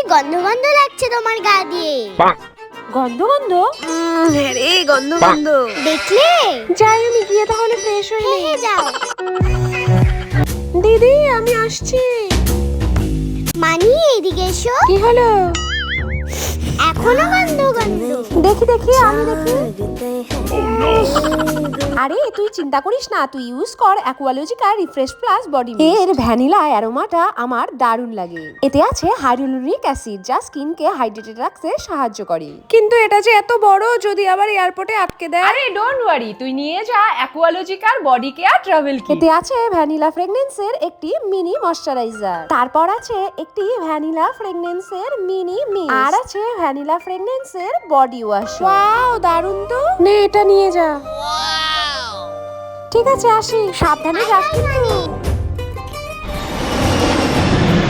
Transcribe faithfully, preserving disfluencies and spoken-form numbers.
গন্ধ গন্ধ লাগছে তোমার গা দিয়ে। গন্ধ গন্ধ? হ্যাঁ রে, গন্ধ গন্ধ। দেখলে? যাই আমি গিয়ে তাহলে ফ্রেশ হয়ে হ্যাঁ নিই। হ্যাঁ যাও। দিদি আমি আসছি। মানি এদিকে এসো। কি হলো? এখনো গন্ধ গন্ধ। দেখি দেখি আমি দেখি। আরে তুই চিন্তা করিস না, তুই ইউজ কর Aqualogica refresh plus body mist. এর ভ্যানিলা অ্যারোমাটা আমার দারুণ লাগে। এতে আছে হাইড্রোলুরিক অ্যাসিড, যা স্কিনকে হাইড্রেটেড রাখতে সাহায্য করে। কিন্তু এটা যে এত বড়, যদি আবার এয়ারপোর্টে আটকে দেয়। আরে ডোন্ট ওয়ারি, তুই নিয়ে যা অ্যাকুয়ালজিকার বডি কেয়ার ট্রাভেল কিট। এতে আছে ভ্যানিলা ফ্রেগনেন্সের একটি মিনি ময়শ্চারাইজার, তারপর আছে একটি ভ্যানিলা ফ্রেগনেন্সের মিনি মিস্ট, আর আছে ভ্যানিলা ফ্রেগনেন্সের বডি ওয়াশ। ওয়াও দারুণ তো, নে এটা নিয়ে যা। ঠিক আছে আসি, সাবধানে যাস কিন্তু।